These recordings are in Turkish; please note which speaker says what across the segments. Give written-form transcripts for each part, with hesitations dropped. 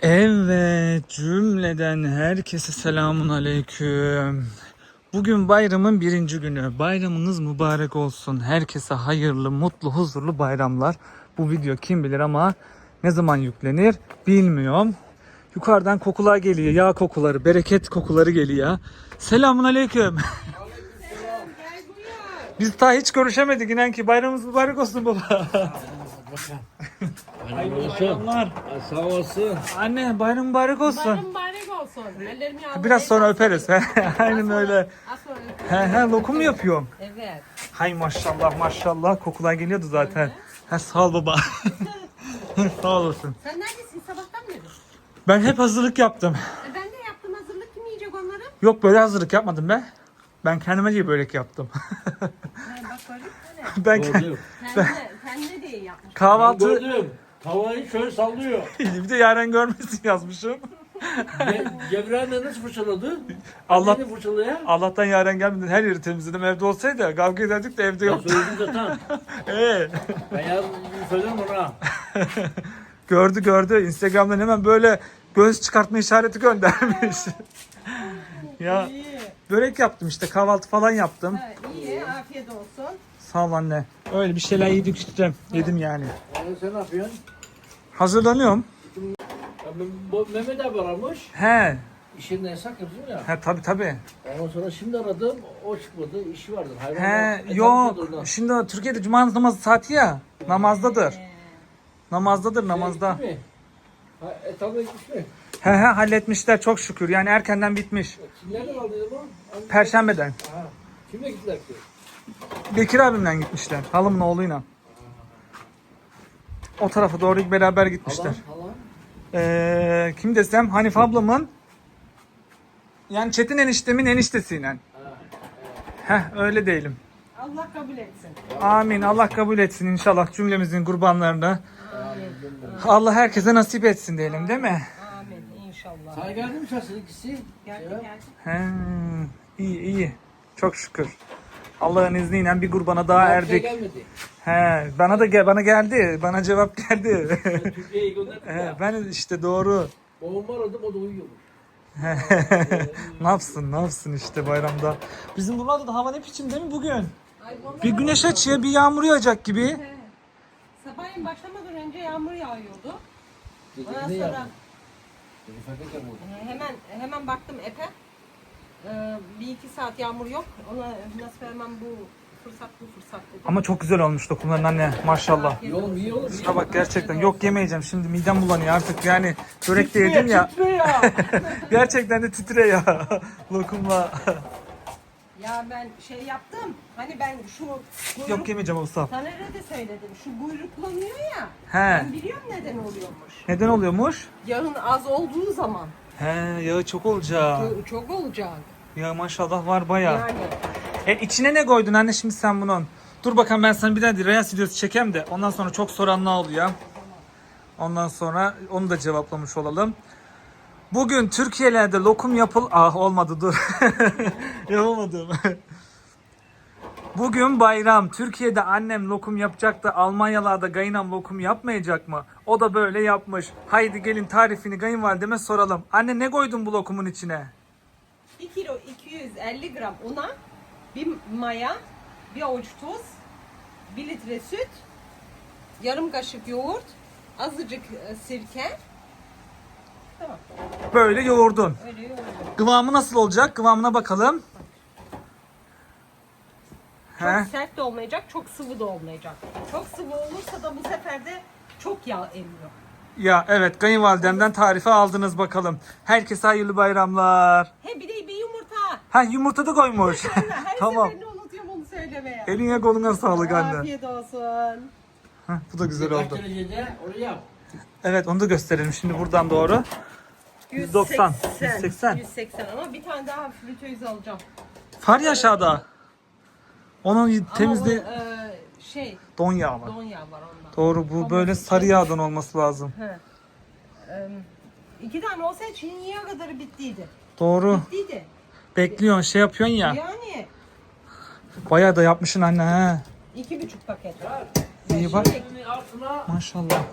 Speaker 1: Evet, cümleden herkese selamun aleyküm. Bugün bayramın birinci günü. Bayramınız mübarek olsun. Herkese hayırlı, mutlu, huzurlu bayramlar. Bu video kim bilir ama ne zaman yüklenir bilmiyorum. Yukarıdan kokular geliyor. Yağ kokuları, bereket kokuları geliyor. Selamun aleyküm. Biz daha hiç görüşemedik inan ki. Bayramımız mübarek olsun baba. Hayırlı bayramlar.
Speaker 2: Sağ olasın.
Speaker 1: Anne bayram mübarek olsun.
Speaker 3: Bayram mübarek olsun. Ellerimi yağlı.
Speaker 1: Biraz sonra öperiz. Aynen öyle.
Speaker 3: Az sonra öperiz.
Speaker 1: He lokum mu yapıyorum?
Speaker 3: Evet.
Speaker 1: Hay maşallah maşallah kokular geliyordu zaten. He sağ ol baba. Sağ olasın.
Speaker 3: Sen neredesin? Sabahtan beri.
Speaker 1: Ben hep hazırlık yaptım.
Speaker 3: Ben de yaptım hazırlık. Kim yiyecek onları?
Speaker 1: Yok böyle hazırlık yapmadım be. Ben kendime diye börek yaptım.
Speaker 3: Bak böyle.
Speaker 1: Ben
Speaker 2: Gördüm.
Speaker 3: Kendine diye yapmış.
Speaker 1: kahvaltı
Speaker 2: Gördüm. Tavayı şöyle sallıyor.
Speaker 1: bir de Yaren görmesin yazmışım.
Speaker 2: Cevren nasıl fırçaladı?
Speaker 1: Allah
Speaker 2: Neydi fırçalaya?
Speaker 1: Allah'tan Yaren gelmedi. Her yeri temizledim. Evde olsaydı kavga ederdik de evde
Speaker 2: Ben
Speaker 1: yoktu.
Speaker 2: söyledim zaten. Ben yarın söylerim ona.
Speaker 1: Gördü. Instagram'dan hemen böyle göz çıkartma işareti göndermiş. Ya börek yaptım işte kahvaltı falan yaptım.
Speaker 3: Ha, iyi. Afiyet olsun.
Speaker 1: Sağ ol anne. Öyle bir şeyler yedik işte. Yedim yani.
Speaker 2: Sen ne yapıyorsun?
Speaker 1: Hazırlanıyorum.
Speaker 2: Bu Mehmet abi aramış.
Speaker 1: He.
Speaker 2: İşinden yasak yapıyor ya.
Speaker 1: He tabi.
Speaker 2: Ondan sonra şimdi aradım. O çıkmadı. İşi vardır.
Speaker 1: He yok. Şimdi Türkiye'de cuma namazı saati ya. Namazdadır. Namazda.
Speaker 2: Gitti mi? Etabına gitmiş mi?
Speaker 1: He halletmişler çok şükür. Yani erkenden bitmiş.
Speaker 2: Kimlerden aldıydı bu?
Speaker 1: Perşembeden.
Speaker 2: Aha. Kimle gittiler ki?
Speaker 1: Bekir abimle gitmişler. Halımın oğluyla. O tarafa doğru beraber gitmişler.
Speaker 2: Hala.
Speaker 1: Kim desem Hanife ablamın yani Çetin eniştemin eniştesiyle. Öyle değilim.
Speaker 3: Allah kabul etsin.
Speaker 1: Amin. Allah kabul etsin inşallah cümlemizin kurbanlarını. Allah herkese nasip etsin diyelim değil mi?
Speaker 3: Amin inşallah.
Speaker 2: Sana geldi mi şahsın ikisi?
Speaker 3: Geldi.
Speaker 1: He, iyi. Çok şükür. Allah'ın izniyle bir kurbana daha
Speaker 2: Şey
Speaker 1: erdik.
Speaker 2: gelmedi.
Speaker 1: He, bana geldi. Bana cevap geldi.
Speaker 2: Türkiye'ye gönderdik ya.
Speaker 1: Ben işte doğru.
Speaker 2: Babamı aradım o da uyuyormuş.
Speaker 1: Ne yapsın işte bayramda. Bizim buralarda da hava ne biçim değil mi bugün?
Speaker 3: Ay, vallahi
Speaker 1: Bir güneş açıyor, bir yağmur yağacak gibi.
Speaker 3: He. Sabahleyin başlamadan önce yağmur yağıyordu. Ondan
Speaker 2: Ne
Speaker 3: sonra
Speaker 2: yaptın?
Speaker 3: hemen baktım epe. Bir iki saat yağmur yok. Ona nasıl hemen bu fırsat dedim.
Speaker 1: Ama çok güzel olmuş dokumların anne maşallah.
Speaker 2: İyi oğlum iyi oğlum.
Speaker 1: Ha bak gerçekten yok yemeyeceğim şimdi midem bulanıyor artık yani börek de yedim ya. Gerçekten de titre ya lokumla.
Speaker 3: Ya ben şey yaptım. Hani ben şu kuyruk,
Speaker 1: Yok yemeyeceğim usta.
Speaker 3: Taner'e de söyledim. Şu kuyruklanıyor ya.
Speaker 1: He.
Speaker 3: Ben biliyorum neden oluyormuş.
Speaker 1: Neden oluyormuş?
Speaker 3: Yağın az olduğu zaman.
Speaker 1: He yağı çok olacak.
Speaker 3: Çok olacak.
Speaker 1: Ya maşallah var baya.
Speaker 3: Yani.
Speaker 1: İçine ne koydun anne şimdi sen bunun? Dur bakalım ben sana bir tane Reels videosu çekeyim de ondan sonra çok soranlar oluyor. Ondan sonra onu da cevaplamış olalım. Bugün Türkiye'lerde lokum olmadı dur. Yapamadım. Bugün bayram. Türkiye'de annem lokum yapacak da Almanyalarda kayınam lokum yapmayacak mı? O da böyle yapmış. Haydi gelin tarifini kayınvalideme soralım. Anne ne koydun bu lokumun içine?
Speaker 3: 1 kilo 250 gram una, bir maya, bir avuç tuz, 1 litre süt, yarım kaşık yoğurt, azıcık sirke. Tamam.
Speaker 1: Böyle yoğurdun.
Speaker 3: Öyle yoğurdum.
Speaker 1: Kıvamı nasıl olacak? Kıvamına bakalım.
Speaker 3: Çok
Speaker 1: He?
Speaker 3: sert de olmayacak, çok sıvı da olmayacak. Çok sıvı olursa da bu sefer de çok yağ emiyor.
Speaker 1: Ya evet kayınvalidemden tarifi aldınız bakalım. Herkese hayırlı bayramlar.
Speaker 3: He bir de bir yumurta.
Speaker 1: Ha yumurta da koymuş.
Speaker 3: Her
Speaker 1: Tamam.
Speaker 3: seferinde unutuyorum onu söylemeye.
Speaker 1: Eline koluna sağlık anne.
Speaker 3: Afiyet olsun.
Speaker 1: Heh, bu da güzel
Speaker 2: Kaç
Speaker 1: oldu.
Speaker 2: derecede onu yap.
Speaker 1: Evet onu da gösterelim şimdi buradan doğru. 190, 180.
Speaker 3: 180 ama bir tane daha fritöz alacağım.
Speaker 1: Far ya aşağıda. Onun temizliği
Speaker 3: Ama o,
Speaker 1: don yağı var.
Speaker 3: don yağı var ondan.
Speaker 1: Doğru bu böyle sarı yağdan olması lazım.
Speaker 3: He. 2 tane olsaydı şimdiye kadar bittiydi.
Speaker 1: Doğru.
Speaker 3: Bittiydi.
Speaker 1: Bekliyorsun şey yapıyorsun ya.
Speaker 3: Yani
Speaker 1: Bayağı da yapmışsın anne he.
Speaker 3: 2,5 paket.
Speaker 1: İyi bak.
Speaker 2: Şimdi altına
Speaker 1: Maşallah.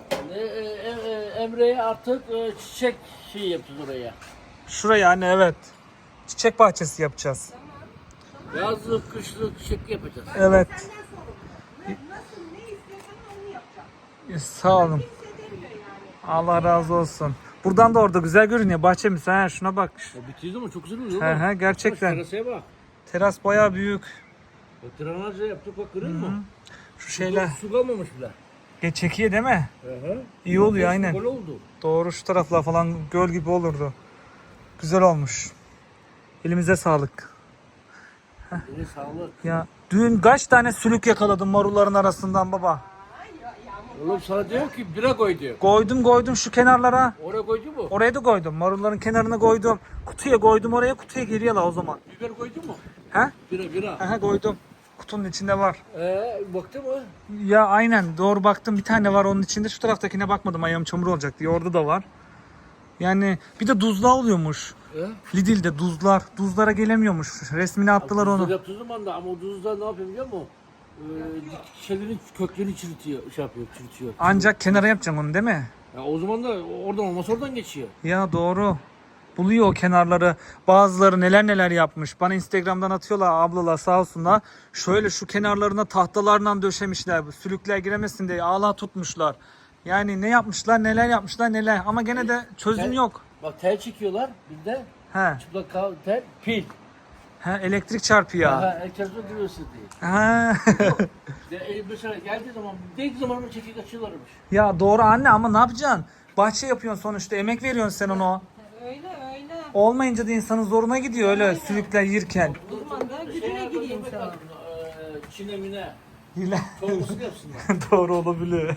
Speaker 2: Emre'ye artık çiçek şey yapacağız oraya.
Speaker 1: Şuraya anne, evet. Çiçek bahçesi yapacağız.
Speaker 2: Yazlık, kışlık çiçek yapacağız.
Speaker 1: Evet.
Speaker 3: Nasıl ne istiyorsan onu yapacağım.
Speaker 1: Sağ olun.
Speaker 3: Kimse demiyor yani.
Speaker 1: Allah razı olsun. Buradan da orada güzel görünüyor bahçemiz. Ha, şuna bak.
Speaker 2: Bitirdi ama çok güzel oluyor.
Speaker 1: He he, gerçekten.
Speaker 2: Terasaya bak.
Speaker 1: Teras bayağı büyük.
Speaker 2: Bak drenajla yaptık bak görüyor musun?
Speaker 1: Şu şeyler
Speaker 2: Su kalmamış bile.
Speaker 1: çekiyor değil mi?
Speaker 2: Hı.
Speaker 1: İyi oluyor aynen.
Speaker 2: Gol oldu.
Speaker 1: Doğru, şu taraflar falan göl gibi olurdu. Güzel olmuş. Elimize sağlık.
Speaker 2: Eline sağlık.
Speaker 1: Ya dün kaç tane sülük yakaladım marulların arasından baba.
Speaker 2: Oğlum sana diyor ki bira koy diyor.
Speaker 1: Koydum şu kenarlara.
Speaker 2: Oraya koydu mu?
Speaker 1: Oraya da koydum. Marulların kenarına koydum. Kutuya koydum, oraya kutuya geriye la o zaman.
Speaker 2: Biber koydu mu?
Speaker 1: He?
Speaker 2: Bira.
Speaker 1: Aha koydum. Kutunun içinde var.
Speaker 2: Baktı mı?
Speaker 1: Ya aynen doğru baktım, bir tane var onun içinde. Şu taraftakine bakmadım, ayağım çamur olacak diye. Orada da var. Yani bir de duzla oluyormuş. Lidl'de duzlar. Duzlara gelemiyormuş. Resmini attılar onu.
Speaker 2: Yaptığı zaman da ama o duzlar ne yapıyor biliyor musun? Şeylerin köklerini çürütüyor, çürütüyor.
Speaker 1: Ancak kenara yapacaksın onu değil mi?
Speaker 2: Ya o zaman da oradan olmasa oradan geçiyor.
Speaker 1: Ya doğru. Buluyor o kenarları. Bazıları neler yapmış. Bana Instagram'dan atıyorlar ablalar sağ olsunlar. Şöyle şu kenarlarına tahtalarla döşemişler. Sülükler giremesin diye ağla tutmuşlar. Yani ne yapmışlar, neler yapmışlar, neler. Ama gene de çözüm yok.
Speaker 2: Bak tel çekiyorlar bir de
Speaker 1: He.
Speaker 2: çıplak tel pil.
Speaker 1: He, elektrik çarpıyor.
Speaker 2: Herkes de giriyorsun diye.
Speaker 1: Ha.
Speaker 2: Mesela geldiği zaman değdiği zaman onu çekip açıyorlarmış.
Speaker 1: Ya doğru anne, ama ne yapacaksın? Bahçe yapıyorsun sonuçta, emek veriyorsun sen ona.
Speaker 3: Öyle.
Speaker 1: Olmayınca da insanın zoruna gidiyor öyle sülükler yirken.
Speaker 3: O zaman da gücüne gideyim sana.
Speaker 2: Çin'e mine.
Speaker 1: Hile.
Speaker 2: Çorbasını yapsınlar.
Speaker 1: Doğru olabilir.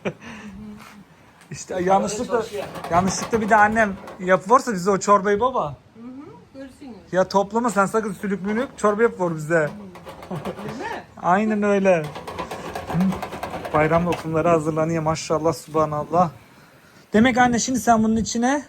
Speaker 1: İşte yanlışlıkla bir de annem yapıvorsa bize o çorbayı baba.
Speaker 3: Görsünüz.
Speaker 1: Ya toplama sen sakın sülük mülük, çorba yapıvor bize. Aynen öyle. Bayram lokumları hazırlanıyor maşallah subhanallah. Demek anne şimdi sen bunun içine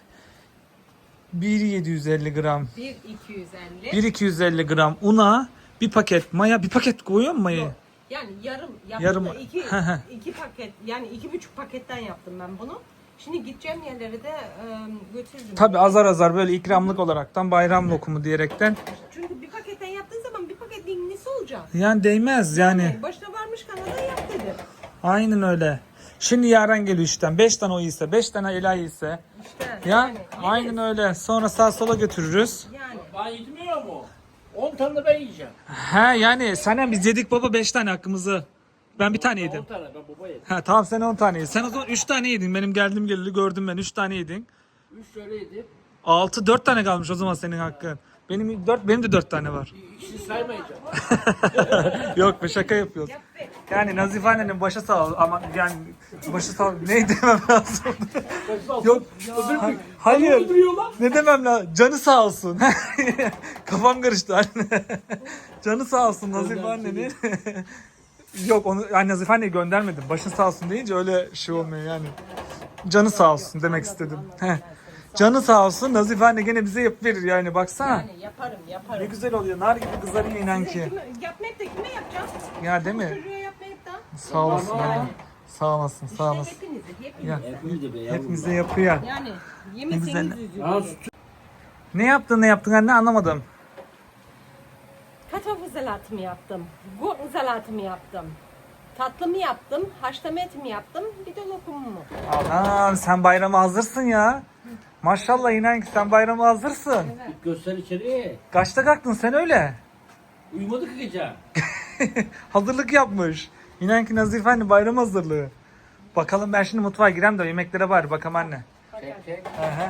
Speaker 1: 1.750 gram,
Speaker 3: 1.250.
Speaker 1: 1.250 gram una, bir paket maya, bir paket koyuyor mu mayayı?
Speaker 3: Yani yarım
Speaker 1: Yarım.
Speaker 3: yaptım da iki paket, yani 2,5 paketten yaptım ben bunu. Şimdi gideceğim yerlere de götürürüm.
Speaker 1: Tabi azar böyle ikramlık olaraktan bayram lokumu diyerekten.
Speaker 3: Çünkü bir paketten yaptığın zaman bir paketin nesi olacak?
Speaker 1: Yani değmez yani.
Speaker 3: Başına varmış Kanada yap dedi.
Speaker 1: Aynen öyle. Şimdi Yaren geliyor işten. 5 tane o ise, 5 tane Ela ise.
Speaker 3: İşte
Speaker 1: Ya
Speaker 3: yani,
Speaker 1: aynen öyle. Sonra sağ sola götürürüz.
Speaker 3: Yani.
Speaker 2: Ben yetmiyor mu? 10 tane de ben yiyeceğim.
Speaker 1: He yani senden biz yedik baba 5 tane hakkımızı. Ben bir tane
Speaker 2: 10
Speaker 1: yedim.
Speaker 2: tane ben baba yedim.
Speaker 1: Ha tamam, sen 10 tane yedin. Sen o zaman 3 tane yedin. Benim geldiğim geleli gördüm ben. 3 tane yedin.
Speaker 2: 3 tane yedim.
Speaker 1: 4 tane kalmış o zaman senin hakkın. Benim de 4 tane var.
Speaker 2: İkisini saymayacağım.
Speaker 1: Yok be, şaka yapıyoruz.
Speaker 3: Yap be.
Speaker 1: Yani Nazife annenin başı sağ ol ama yani başı sağ ol. Ne demem lazım? Yok. Hayır. Ne demem lazım? Canı sağ olsun. Kafam karıştı anne. Canı sağ olsun Nazife annenin. Yok onu yani Nazife anneyi göndermedim. Başın sağ olsun deyince öyle şey olmuyor yani. Canı sağ olsun demek istedim. Heh. Canı sağ olsun, Nazife anne gene bize yapıverir yani baksana.
Speaker 3: Yani yaparım.
Speaker 1: Ne güzel oluyor. Nar gibi kızarıyor inan ki.
Speaker 3: Yapmayıp da kime yapacağım?
Speaker 1: Ya değil mi?
Speaker 3: Çocuğa yapmayıp da.
Speaker 1: Sağ olasın anne. Sağ olasın, sağ olasın.
Speaker 3: Hepinize.
Speaker 1: Ya,
Speaker 2: Hepimiz be yavrum.
Speaker 1: hepimize yapıyor.
Speaker 3: Yani
Speaker 1: güzel.
Speaker 3: yemeseniz
Speaker 2: Ya
Speaker 3: üzülürüm.
Speaker 1: Ne yaptın anne, anlamadım.
Speaker 3: Kartoffel salatımı yaptım. Gurken salatımı yaptım. Tatlımı yaptım. Haşlama etimi yaptım. Bir de lokumumu.
Speaker 1: Anam sen bayrama hazırsın ya. Maşallah inan ki sen bayrama hazırsın.
Speaker 2: göster içeri.
Speaker 1: Kaçta kalktın sen öyle?
Speaker 2: Uyumadık gece.
Speaker 1: Hazırlık yapmış. İnan ki Nazife anne bayram hazırlığı. Bakalım ben şimdi mutfağa gireyim de yemeklere bari bakalım anne.
Speaker 2: Çek.
Speaker 1: Aha.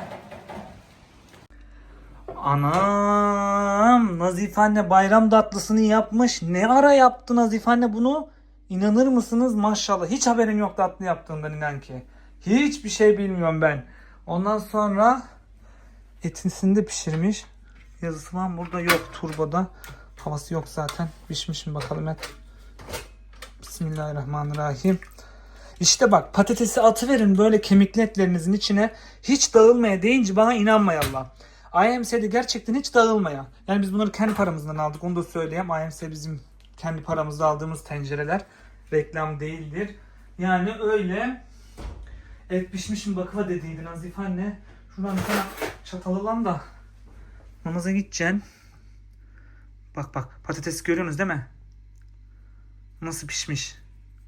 Speaker 1: Anam Nazife anne bayram tatlısını yapmış. Ne ara yaptı Nazife anne bunu? İnanır mısınız maşallah. Hiç haberim yok tatlı yaptığından inan ki. Hiçbir şey bilmiyorum ben. Ondan sonra etisini de pişirmiş. Yazısı var mı? Burada yok turboda. Havası yok zaten. Pişmiş mi bakalım et. Bismillahirrahmanirrahim. İşte bak patatesi atıverin böyle kemikli etlerinizin içine. Hiç dağılmaya deyince bana inanmayallah. IMC'de gerçekten hiç dağılmaya. Yani biz bunları kendi paramızdan aldık. Onu da söyleyeyim. IMC bizim kendi paramızda aldığımız tencereler. Reklam değildir. Yani öyle. Et pişmişim bakıva dediydi Nazife anne. Şuradan bir tane çatal alan da namaza gideceksin. Bak bak patates görüyorsunuz değil mi? Nasıl pişmiş.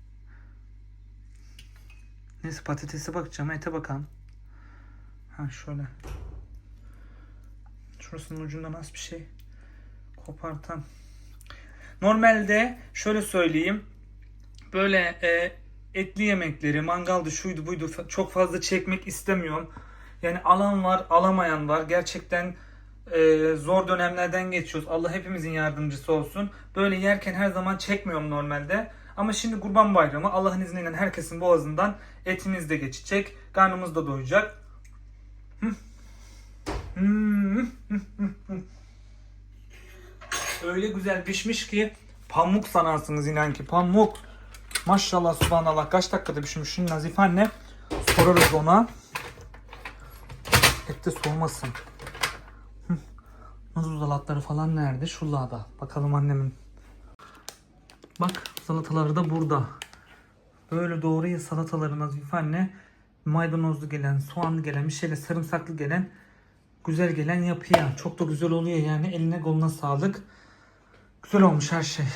Speaker 1: Neyse patatese bakacağım, ete bakalım. Ha şöyle. Şurasının ucundan az bir şey kopartan. Normalde şöyle söyleyeyim. Böyle etli yemekleri, mangaldı, şuydu buydu çok fazla çekmek istemiyorum. Yani alan var, alamayan var. Gerçekten zor dönemlerden geçiyoruz. Allah hepimizin yardımcısı olsun. Böyle yerken her zaman çekmiyorum normalde. Ama şimdi Kurban Bayramı, Allah'ın izniyle herkesin boğazından etimiz de geçecek. Karnımız da doyacak. Öyle güzel pişmiş ki pamuk sanarsınız inan ki pamuk. Maşallah subhanallah kaç dakikada pişmiş Nazife anne. Sorarız ona. Et de soğumasın. Nohut salatları falan nerede? Şurada. Bakalım annemin. Bak salataları da burada. Böyle doğruya salataları Nazife anne. Maydanozlu gelen, soğanlı gelen, bir şeyle sarımsaklı gelen, güzel gelen yapıyor. Çok da güzel oluyor yani. Eline koluna sağlık. Güzel olmuş her şey.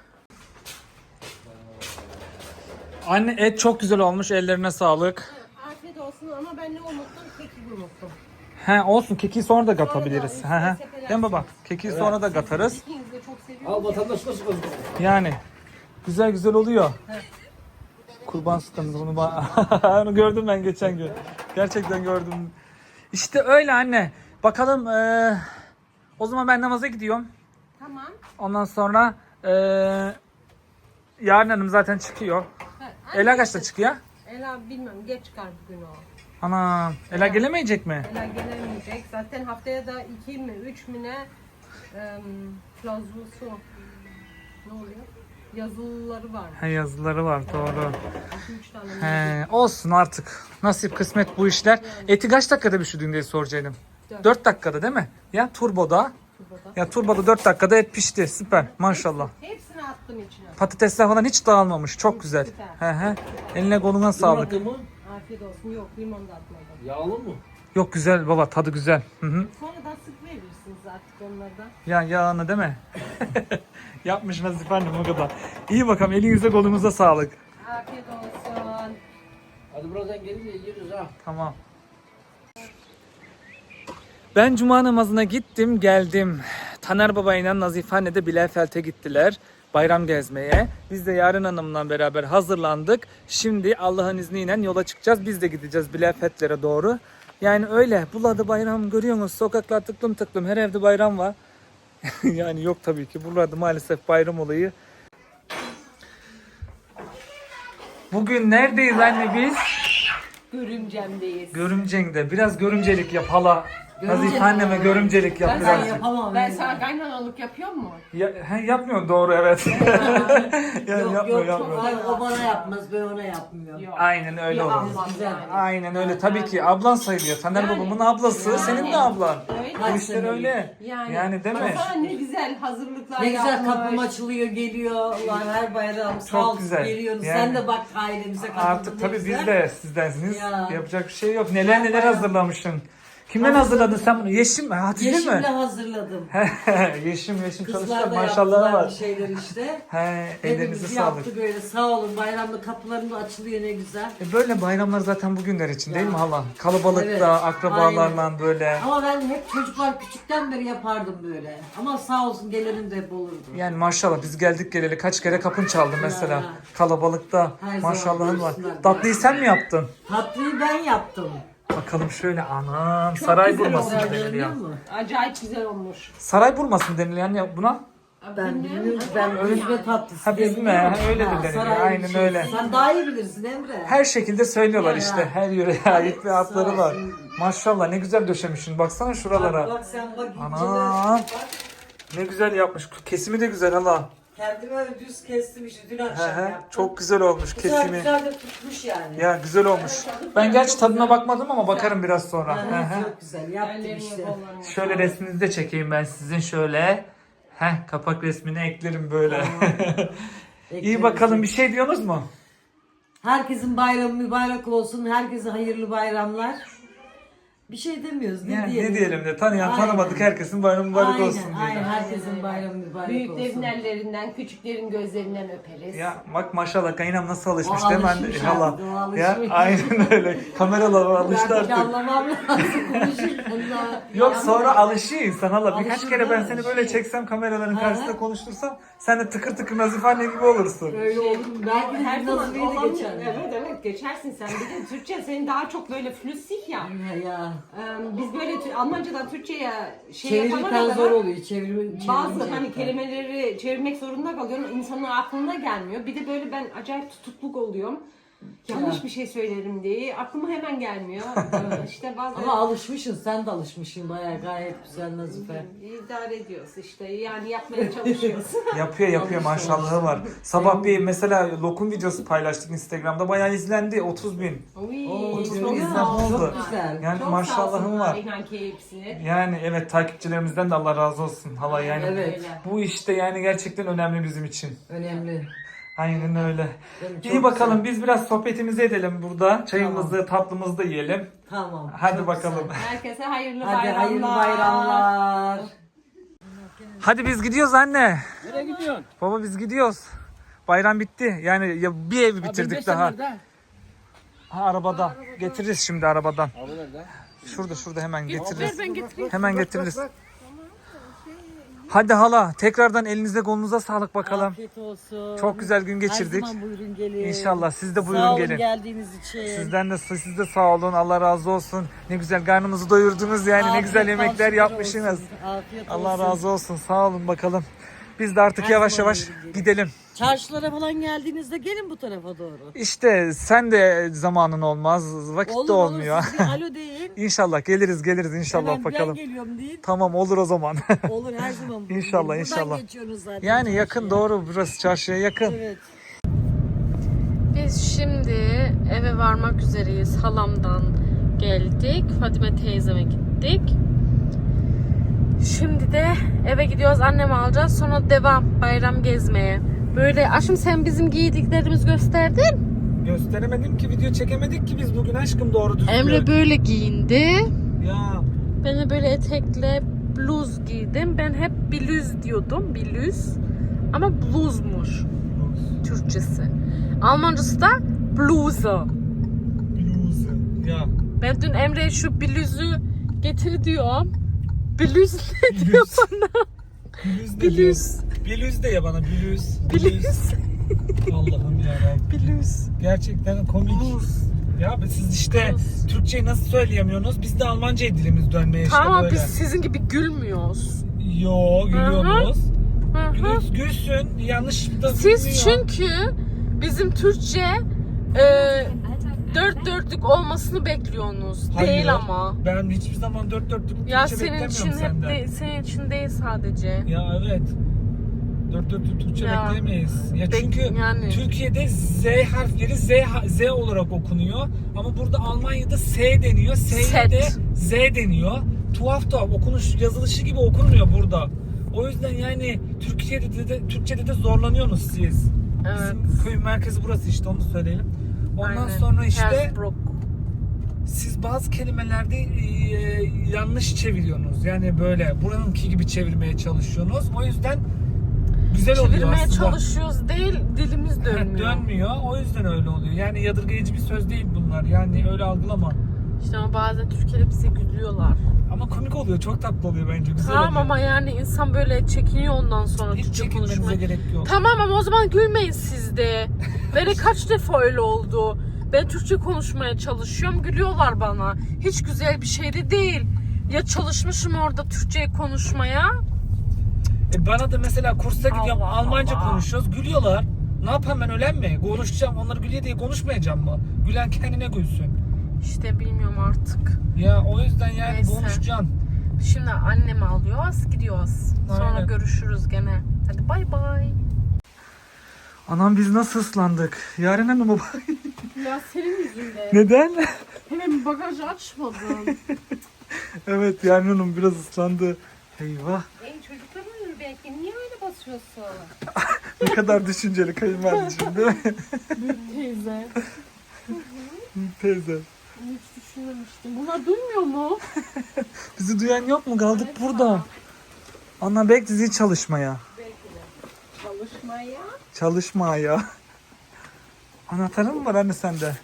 Speaker 1: Anne et çok güzel olmuş. Ellerine sağlık.
Speaker 3: Afiyet olsun ama ben ne unuttum? Keki unuttum.
Speaker 1: He olsun, keki sonra da katabiliriz.
Speaker 3: Sonra da
Speaker 1: He he.
Speaker 3: sepelersiniz.
Speaker 1: Değil mi baba? Keki sonra da katarız.
Speaker 3: İkiniz de çok seviyorum.
Speaker 2: Al vatandaş nasıl kazanıyor?
Speaker 1: Yani güzel güzel oluyor. Kurban sıkıntısı bunu onu gördüm ben geçen gün. Gerçekten gördüm. İşte öyle anne. Bakalım o zaman ben namaza gidiyorum.
Speaker 3: Tamam.
Speaker 1: Ondan sonra Yarın Hanım zaten çıkıyor.
Speaker 3: Ha,
Speaker 1: Ela kaçta çıkıyor?
Speaker 3: Ela bilmem geç çıkar bugün o.
Speaker 1: Ana Ela gelemeyecek mi?
Speaker 3: Ela gelemeyecek. Zaten haftaya da 2 mi 3 mi ne plazması ne oluyor? Yazılıları var.
Speaker 1: He yazıları var doğru.
Speaker 3: 2-3 tane.
Speaker 1: He, olsun artık. Nasip kısmet bu işler. Eti kaç dakikada pişirdin diye soracaktım. 4 dakikada değil mi? Ya turboda. Ya turboda 4 dakikada et pişti. Süper. Maşallah.
Speaker 3: Hepsini attım içine.
Speaker 1: Patatesler falan hiç dağılmamış. Çok güzel. He he. Eline koluna sağlık.
Speaker 2: Limon mı?
Speaker 3: Afiyet olsun. Yok limon da atmadım.
Speaker 2: Yağlı mı?
Speaker 1: Yok güzel baba, tadı güzel. Hı hı.
Speaker 3: Sonradan sık verirsiniz artık onlardan.
Speaker 1: Ya yağını değil mi? Yapmış Nazife annem o kadar. İyi bakalım, elinize kolunuza sağlık.
Speaker 3: Afiyet olsun.
Speaker 2: Hadi birazdan gelince yeriz ha.
Speaker 1: Tamam. Ben cuma namazına gittim geldim. Taner Baba ile Nazife anne de Bielefeld'e gittiler bayram gezmeye. Biz de Yarın Hanım'la beraber hazırlandık. Şimdi Allah'ın izniyle yola çıkacağız. Biz de gideceğiz Bielefeld'lere doğru. Yani öyle. Buralarda bayram görüyorsunuz. Sokaklar tıklım tıklım. Her evde bayram var. Yani yok tabii ki. Buralarda maalesef bayram olayı. Bugün neredeyiz anne biz?
Speaker 3: Görümcemdeyiz.
Speaker 1: Görümceng'de. Biraz görümcelik yap hala. Nazife anneme görümcelik yap
Speaker 3: Ben
Speaker 1: birazcık.
Speaker 4: Yapamam.
Speaker 3: Ben sana kaynanalık yapıyor mu?
Speaker 1: Yapmıyor doğru evet. Yani
Speaker 4: Yok
Speaker 1: yapmıyor.
Speaker 4: çok ay, o bana yapmaz, ben ona yapmıyorum.
Speaker 3: Yok.
Speaker 1: Aynen öyle
Speaker 3: Bir
Speaker 1: olur.
Speaker 3: ablam
Speaker 4: Güzel.
Speaker 3: yani.
Speaker 1: Aynen öyle. Tabii ki ablan sayılıyor. Taner
Speaker 3: Yani.
Speaker 1: babamın ablası,
Speaker 3: Yani.
Speaker 1: senin de ablan.
Speaker 3: Öyle.
Speaker 1: Bu işler öyle. Yani değil mi?
Speaker 3: Baksana ne güzel hazırlıklar
Speaker 4: Ne güzel
Speaker 3: yapmış.
Speaker 4: kapım açılıyor, geliyor. Ulan her bayram sağ
Speaker 1: Çok
Speaker 4: ol
Speaker 1: güzel.
Speaker 4: geliyoruz.
Speaker 1: Yani.
Speaker 4: Sen de bak ailemize katıldın.
Speaker 1: Artık tabii
Speaker 4: ne
Speaker 1: biz
Speaker 4: güzel.
Speaker 1: de sizdensiniz.
Speaker 4: Ya.
Speaker 1: Yapacak bir şey yok. Neler neler hazırlamışsın. Kimden hazırladın sen bunu? Yeşim mi? Hatice
Speaker 4: Yeşimle
Speaker 1: mi?
Speaker 4: hazırladım.
Speaker 1: Yeşim
Speaker 4: Kızlar
Speaker 1: çalışıyor.
Speaker 4: da
Speaker 1: Maşallah
Speaker 4: yaptılar
Speaker 1: var.
Speaker 4: bir şeyler işte.
Speaker 1: He, ellerinize
Speaker 4: Hepimiz
Speaker 1: sağlık.
Speaker 4: yaptık öyle sağ olun. Bayramda kapılarım da açılıyor ne güzel.
Speaker 1: Böyle bayramlar zaten bugünler için değil
Speaker 4: Ya.
Speaker 1: mi hala? Kalabalıkta,
Speaker 4: Evet,
Speaker 1: akrabalarla böyle.
Speaker 4: Ama ben hep çocuklar küçükten beri yapardım böyle. Ama sağ olsun gelenin de hep olurdu.
Speaker 1: Yani maşallah biz geldik geleli kaç kere kapın çaldı mesela.
Speaker 4: Ya.
Speaker 1: Kalabalıkta.
Speaker 4: Her
Speaker 1: Maşallahın
Speaker 4: zaman
Speaker 1: var.
Speaker 4: buyursunlar.
Speaker 1: Tatlıyı sen mi yaptın?
Speaker 4: Tatlıyı ben yaptım.
Speaker 1: Bakalım şöyle anam. Saray
Speaker 4: Güzel
Speaker 1: burması
Speaker 4: oldu,
Speaker 1: deniliyor.
Speaker 4: görüyor musun?
Speaker 3: Acayip güzel olmuş.
Speaker 1: Saray burması mı deniliyor yani buna?
Speaker 4: Ben bilmiyorum ki ben özme tatlısı.
Speaker 1: Ha, bizim
Speaker 4: deniliyor.
Speaker 1: mi? Öyle de
Speaker 4: Ha,
Speaker 1: deniliyor.
Speaker 4: saray
Speaker 1: Aynen
Speaker 4: şeysi.
Speaker 1: öyle.
Speaker 4: Sen daha iyi bilirsin Emre.
Speaker 1: Her şekilde söylüyorlar
Speaker 4: Ya.
Speaker 1: işte. Her yöreye ait bir adları
Speaker 4: Sağ
Speaker 1: var.
Speaker 4: olsun.
Speaker 1: Maşallah ne güzel döşemişsin. Baksana şuralara.
Speaker 4: Bak sen bak
Speaker 1: Anam.
Speaker 4: incele. Bak,
Speaker 1: Ne güzel yapmış. Kesimi de güzel hala.
Speaker 4: kendime öyle düz kestim işte dün
Speaker 1: He
Speaker 4: akşam
Speaker 1: he.
Speaker 4: yaptım.
Speaker 1: Çok güzel olmuş
Speaker 4: güzel,
Speaker 1: kesimi.
Speaker 4: güzel de tutmuş yani.
Speaker 1: Ya güzel olmuş. Ben gerçi tadına bakmadım ama bakarım biraz sonra.
Speaker 4: Ha,
Speaker 1: He he.
Speaker 4: çok güzel yaptım
Speaker 3: Ellerine
Speaker 4: işte.
Speaker 3: kollarına.
Speaker 1: Şöyle resminizi de çekeyim ben sizin şöyle. Kapak resmini eklerim böyle. İyi bakalım, bir şey diyorsunuz mu?
Speaker 4: Herkesin bayramı mübarek olsun. Herkese hayırlı bayramlar. Bir şey demiyoruz. Ne
Speaker 1: Yani
Speaker 4: diyelim?
Speaker 1: ne diyelim de tanıyan
Speaker 4: Aynen.
Speaker 1: tanımadık herkesin bayramı mübarek
Speaker 4: Aynen,
Speaker 1: olsun diyelim.
Speaker 4: aynen. Herkesin bayramı mübarek
Speaker 3: Büyüklerin
Speaker 4: olsun.
Speaker 3: ellerinden, küçüklerin gözlerinden öperiz.
Speaker 1: Ya bak maşallah kaynam nasıl alışmış
Speaker 4: O
Speaker 1: değil mi
Speaker 4: alışmış
Speaker 1: anne?
Speaker 4: artık, o alışmış.
Speaker 1: Ya aynen öyle. Kameralar alıştı
Speaker 4: Ben
Speaker 1: artık.
Speaker 4: anlamam lazım konuşurken daha.
Speaker 1: Yok sonra alışıyor insan hala. Birkaç
Speaker 4: Alışır
Speaker 1: kere ben
Speaker 4: da,
Speaker 1: seni böyle çeksem kameraların
Speaker 4: Hı.
Speaker 1: karşısında konuştursam sen de tıkır tıkır Nazif anne gibi olursun.
Speaker 4: Öyle olur mu? Belki de
Speaker 3: Her zaman
Speaker 4: Nazife'yi de
Speaker 3: olan,
Speaker 4: geçer.
Speaker 3: evet geçersin sen. Bir de Türkçe senin daha çok böyle flüssig ya.
Speaker 4: Ya.
Speaker 3: Biz böyle Almancadan Türkçe'ye şey
Speaker 4: Çevirirken
Speaker 3: yapana
Speaker 4: zor
Speaker 3: kadar
Speaker 4: oluyor.
Speaker 3: bazı hani kelimeleri çevirmek zorunda kalıyorum. İnsanın aklına gelmiyor. Bir de böyle ben acayip tutukluk oluyorum. Yanlış bir şey söylerim diye aklıma hemen gelmiyor. İşte bazen
Speaker 4: Ama alışmışsın, sen de alışmışsın bayağı gayet güzel Nazife.
Speaker 3: idare ediyoruz işte. Yani yapmaya çalışıyoruz.
Speaker 1: Yapıyor maşallahı var. Sabah bir mesela lokum videosu paylaştık Instagram'da bayağı izlendi 30.000.
Speaker 3: Uy,
Speaker 4: Oo,
Speaker 1: Otuz
Speaker 3: çok
Speaker 1: bin
Speaker 3: sağ
Speaker 1: izlenme oldu.
Speaker 3: olsunlar.
Speaker 4: Çok güzel.
Speaker 1: Yani
Speaker 3: Çok
Speaker 1: maşallahım
Speaker 3: sağ olsunlar
Speaker 1: var.
Speaker 3: İnan ki hepsini.
Speaker 1: Yani evet takipçilerimizden de Allah razı olsun hala yani.
Speaker 4: Evet.
Speaker 3: Öyle.
Speaker 1: Bu işte yani gerçekten önemli bizim için.
Speaker 4: Önemli.
Speaker 1: Aynen öyle.
Speaker 4: Benim çok
Speaker 1: İyi bakalım
Speaker 4: güzel.
Speaker 1: biz biraz sohbetimizi edelim burada. Çayımızı, tatlımızı da yiyelim.
Speaker 4: Tamam.
Speaker 1: Hadi
Speaker 4: çok
Speaker 1: bakalım.
Speaker 4: güzel.
Speaker 3: Herkese hayırlı
Speaker 4: Hadi
Speaker 3: bayramlar.
Speaker 4: hayırlı bayramlar.
Speaker 1: Hadi biz gidiyoruz anne.
Speaker 2: Nereye gidiyorsun?
Speaker 1: Baba biz gidiyoruz. Bayram bitti. Yani ya bir ev bitirdik daha. Ha arabada. Getiririz şimdi arabadan.
Speaker 2: Abi nerede?
Speaker 1: Şurada hemen getiririz. Hemen getiririz. Hadi hala tekrardan elinize kolunuza sağlık bakalım.
Speaker 4: Afiyet olsun.
Speaker 1: Çok güzel gün geçirdik.
Speaker 4: Her zaman buyurun gelin.
Speaker 1: İnşallah siz de
Speaker 4: Sağ
Speaker 1: buyurun
Speaker 4: olun
Speaker 1: gelin.
Speaker 4: geldiğiniz için.
Speaker 1: Siz de sağ olun. Allah razı olsun. Ne güzel karnımızı doyurdunuz yani. Ne
Speaker 4: Afiyet
Speaker 1: güzel yemekler
Speaker 4: olsun,
Speaker 1: yapmışsınız.
Speaker 4: olsun. Afiyet
Speaker 1: Allah
Speaker 4: olsun.
Speaker 1: razı olsun. Sağ olun bakalım. Biz de artık
Speaker 4: Her
Speaker 1: yavaş
Speaker 4: zaman
Speaker 1: yavaş
Speaker 4: buyurun gelin.
Speaker 1: gidelim.
Speaker 4: Çarşılara falan geldiğinizde gelin bu tarafa doğru.
Speaker 1: İşte sen de zamanın olmaz. Vakit de olmuyor.
Speaker 4: Olur siz bir alo deyin.
Speaker 1: İnşallah geliriz inşallah
Speaker 4: Hemen
Speaker 1: bakalım.
Speaker 4: ben geliyorum deyin.
Speaker 1: Tamam olur o zaman.
Speaker 4: Olur her zaman. buyurun
Speaker 1: İnşallah,
Speaker 4: gelin. Buradan
Speaker 1: inşallah.
Speaker 4: geçiyorsunuz zaten.
Speaker 1: Yani
Speaker 4: çarşıya.
Speaker 1: yakın doğru burası çarşıya yakın.
Speaker 4: Evet.
Speaker 5: Biz şimdi eve varmak üzereyiz. Halamdan geldik. Fatime teyzeme gittik. Şimdi de eve gidiyoruz. Annemi alacağız. Sonra devam bayram gezmeye. Böyle aşkım sen bizim giydiklerimizi gösterdin.
Speaker 1: Gösteremedim ki video çekemedik ki biz bugün aşkım doğru düzgün.
Speaker 5: Emre böyle giyindi.
Speaker 1: Ya
Speaker 5: Ben de böyle etekle bluz giydim. Ben hep bluz diyordum. Bluz. Ama bluzmuş Türkçesi. Almancası da bluse.
Speaker 1: bluz. Ya
Speaker 5: Ben dün Emre'ye şu bluzu getir diyorum. Bluz ne diyor bana?
Speaker 1: bluz ne diyor?
Speaker 5: Bluz.
Speaker 1: Bluz de ya bana bluz.
Speaker 5: Bluz.
Speaker 1: Allah'ım ya.
Speaker 5: Bluz.
Speaker 1: Gerçekten komik. Ya siz işte
Speaker 5: Bluz.
Speaker 1: Türkçeyi nasıl söyleyemiyorsunuz? Biz de Almanca dilimiz dönmeye işte
Speaker 5: Tamam
Speaker 1: böyle.
Speaker 5: biz sizin gibi gülmüyoruz.
Speaker 1: Yo gülüyoruz.
Speaker 5: Hı hı.
Speaker 1: Gülsün yanlış da
Speaker 5: Siz
Speaker 1: gülmüyor.
Speaker 5: çünkü bizim Türkçe dört dörtlük olmasını bekliyorsunuz.
Speaker 1: Hayır,
Speaker 5: Değil ama.
Speaker 1: Ben hiçbir zaman dört dörtlük
Speaker 5: Ya
Speaker 1: Türkçe
Speaker 5: senin için
Speaker 1: beklemiyorum
Speaker 5: hep
Speaker 1: senden.
Speaker 5: senin için değil sadece.
Speaker 1: Ya evet. Dört dörtlük Türkçe
Speaker 5: Ya.
Speaker 1: bekleyemeyiz. Ya çünkü
Speaker 5: yani.
Speaker 1: Türkiye'de Z harfleri Z olarak okunuyor. Ama burada Almanya'da S deniyor. S'ye de Z deniyor. Tuhaf okunuş yazılışı gibi okunmuyor burada. O yüzden yani Türkçe'de de zorlanıyorsunuz siz.
Speaker 5: Evet.
Speaker 1: Bizim köyün merkezi burası işte onu söyleyelim. Ondan
Speaker 5: Aynen.
Speaker 1: sonra işte
Speaker 5: Hersbruck.
Speaker 1: siz bazı kelimelerde yanlış çeviriyorsunuz. Yani böyle buranınki gibi çevirmeye çalışıyorsunuz. O yüzden güzel oluyor
Speaker 5: Çevirmeye
Speaker 1: aslında.
Speaker 5: çalışıyoruz değil, dilimiz dönmüyor.
Speaker 1: Dönmüyor. O yüzden öyle oluyor. Yani yadırgayıcı bir söz değil bunlar. Yani öyle algılama.
Speaker 5: İşte ama bazen Türkiye'de bize gülüyorlar.
Speaker 1: Ama komik oluyor. Çok tatlı oluyor bence. Güzel
Speaker 5: Tamam
Speaker 1: oluyor.
Speaker 5: ama yani insan böyle çekiniyor ondan sonra
Speaker 1: Hiç
Speaker 5: Türkçe
Speaker 1: çekinmenize
Speaker 5: konuşmaya.
Speaker 1: gerek yok.
Speaker 5: Tamam ama o zaman gülmeyin siz de. Böyle kaç defa öyle oldu. Ben Türkçe konuşmaya çalışıyorum, gülüyorlar bana. Hiç güzel bir şey de değil. Ya çalışmışım orada Türkçe konuşmaya.
Speaker 1: Bana da mesela kursa gidiyorum.
Speaker 5: Allah
Speaker 1: Almanca
Speaker 5: Allah.
Speaker 1: konuşuyoruz. Gülüyorlar. Ne yapayım ben ölen mi? Konuşacağım. Onları gülüyor diye konuşmayacağım mı? Gülen kendine gülsün.
Speaker 5: İşte bilmiyorum artık.
Speaker 1: Ya o yüzden yani
Speaker 5: Neyse.
Speaker 1: konuşacaksın.
Speaker 5: Şimdi annemi alıyoruz, gidiyoruz. Sonra
Speaker 1: Aynen.
Speaker 5: görüşürüz gene. Hadi bay bay.
Speaker 1: Anam biz nasıl ıslandık? Yaren Hanım baba.
Speaker 5: Ya senin yüzünden.
Speaker 1: Neden?
Speaker 5: Hemen bagajı açmadın.
Speaker 1: Evet Yaren Hanım biraz ıslandı. Eyvah.
Speaker 3: Çocuklar uyur belki. Niye öyle basıyorsun?
Speaker 1: Ne kadar düşünceli kayınvalideciğim değil mi?
Speaker 5: Teyze.
Speaker 1: Teyze.
Speaker 5: Hiç düşünmemiştim. Bunlar duymuyor mu?
Speaker 1: Bizi duyan yok mu? Kaldık burada. Ana bek dizi çalışmaya.
Speaker 3: Çalışmaya.
Speaker 1: Çalışmaya. Anahtarın mı var anne sende?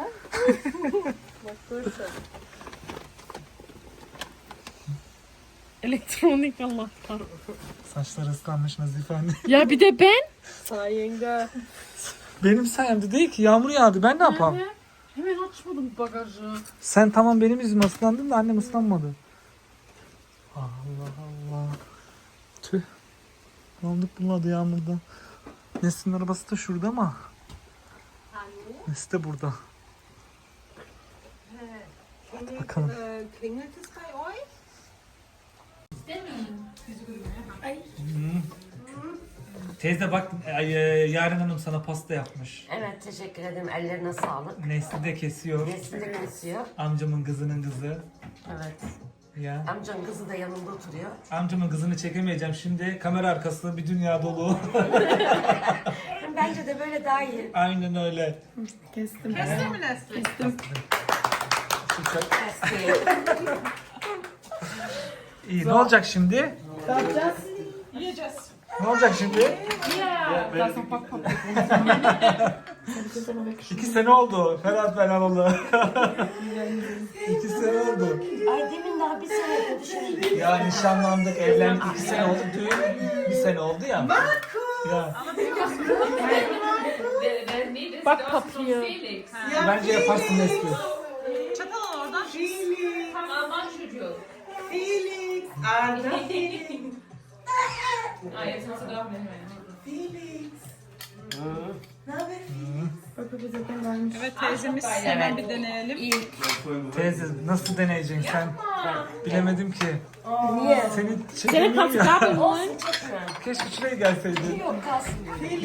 Speaker 5: Elektronik Allah'tan.
Speaker 1: Saçları ıslanmış Nazife anne.
Speaker 5: Ya bir de ben.
Speaker 3: Sayende.
Speaker 1: Benim sayemde değil ki, yağmur yağdı. Ben ne yapayım?
Speaker 5: Hemen açmadım bagajı.
Speaker 1: Sen tamam benim yüzüme ıslandın da annem ıslanmadı. Allah Allah. Tüh. Ne olduk bunladı yağmurda. Nesrin arabası da şurada ama. Nesi de burada. Hadi bakalım.
Speaker 3: Klingelt es bei euch?
Speaker 1: Teyze bak Yaren Hanım sana pasta yapmış.
Speaker 4: Evet teşekkür ederim. Ellerine sağlık.
Speaker 1: Nesli de kesiyor.
Speaker 4: Nesli de kesiyor.
Speaker 1: Amcamın kızının kızı.
Speaker 4: Evet.
Speaker 1: Ya.
Speaker 4: Amcanın kızı da yanımda oturuyor.
Speaker 1: Amcamın kızını çekemeyeceğim. Şimdi kamera arkası bir dünya dolu.
Speaker 4: Bence de böyle daha iyi.
Speaker 1: Aynen öyle.
Speaker 3: Kestin mi Nesli?
Speaker 1: İyi, ne olacak şimdi?
Speaker 3: Yiyeceğiz.
Speaker 1: Ne olacak şimdi?
Speaker 5: Ya. Das ist noch Backpapier.
Speaker 1: 2 sene oldu Ferhat ben alalı. 2 sene oldu.
Speaker 4: Ay demin daha bir sene oldu şimdi.
Speaker 1: Ya nişanlandık, evlendik 2 sene oldu. Düğün 1 sene oldu ya. Ya.
Speaker 5: Backpapier.
Speaker 1: Bence yaparsın Nesli.
Speaker 3: Çatal oradan.
Speaker 6: Aman çocuğu.
Speaker 3: Felix. Arda.
Speaker 6: Ah, jetzt hast du doch nicht mehr.
Speaker 3: Evet teyzemiz hemen bir deneyelim.
Speaker 1: Teyze nasıl deneyeceksin sen? Bilemedim ki.
Speaker 4: Niye?
Speaker 1: Seni
Speaker 5: Seine
Speaker 1: çekemiyorum
Speaker 5: kannst du
Speaker 1: ya.
Speaker 5: Gabel holen.
Speaker 1: Keşke şuraya gelseydin.
Speaker 4: Yok kalsın.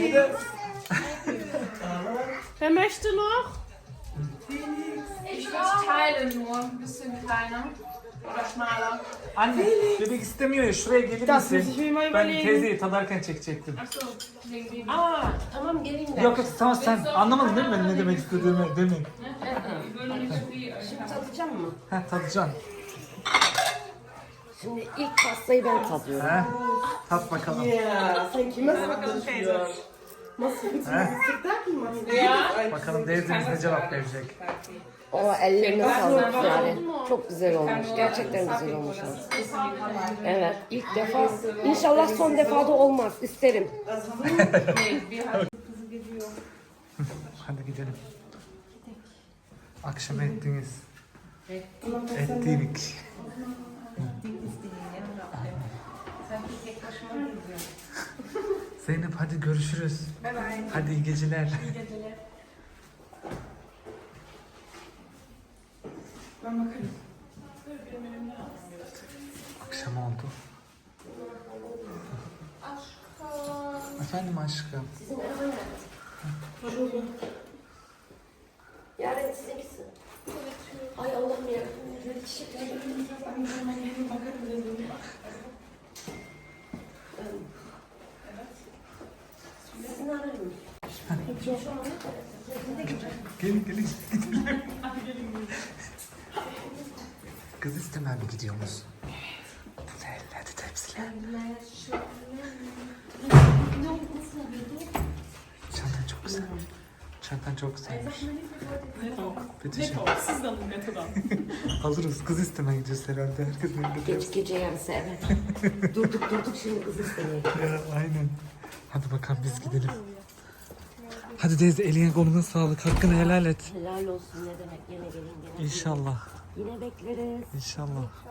Speaker 5: Wer möchte noch?
Speaker 6: Ich teile nur ein bisschen kleiner oder schmaler.
Speaker 1: Anne bebek istemiyor ya, şuraya gelir misin? Ben teyzeyi tadarken çekecektim.
Speaker 6: Achso, wegen dem.
Speaker 4: Aa tamam geleyim ben.
Speaker 1: Yok yok tamam, sen anlamadın değil mi benim ne demek istediğimi, değil mi?
Speaker 6: Ich will nicht so viel.
Speaker 4: Tadacağım mı?
Speaker 1: Heh, tadacaksın.
Speaker 4: Şimdi ilk pastayı ben tadıyorum.
Speaker 1: Heh, tat bakalım.
Speaker 4: Sen kime
Speaker 3: Bakalım teyze.
Speaker 1: Heh. Bakalım teyzemiz ne cevap verecek.
Speaker 4: O ellerine sağlık yani. Çok güzel olmuş. Gerçekten güzel olmuş. Evet ilk defa. İnşallah son defa da olmaz. İsterim.
Speaker 1: Hadi gidelim. Akşam ettiniz. Ettik. Zeynep hadi görüşürüz. Hadi iyi geceler. Akşam oldu. Efendim aşkım.
Speaker 4: Yarın sizinkisin. Ay Allah'ım ya. Böyle çiçekler. Sizin ararım.
Speaker 1: Gelin gelin gidelim. Kız istemem mi gidiyoruz? Hadi tepsiler. Çantan çok güzel. Çantan çok güzelmiş. Betüş'üm.
Speaker 3: Siz de alın metodan.
Speaker 1: Alırız. Kız istemeye gidiyoruz herhalde. Herkesin elinde tepsi.
Speaker 4: Gece yarısı evet. durduk şimdi kız istemeye.
Speaker 1: Ya aynen. Hadi bakalım biz gidelim. Hadi teyze eline koluna sağlık. Hakkını helal et.
Speaker 4: Helal olsun ne demek yine gelin gene.
Speaker 1: İnşallah.
Speaker 4: Yine bekleriz.
Speaker 1: İnşallah.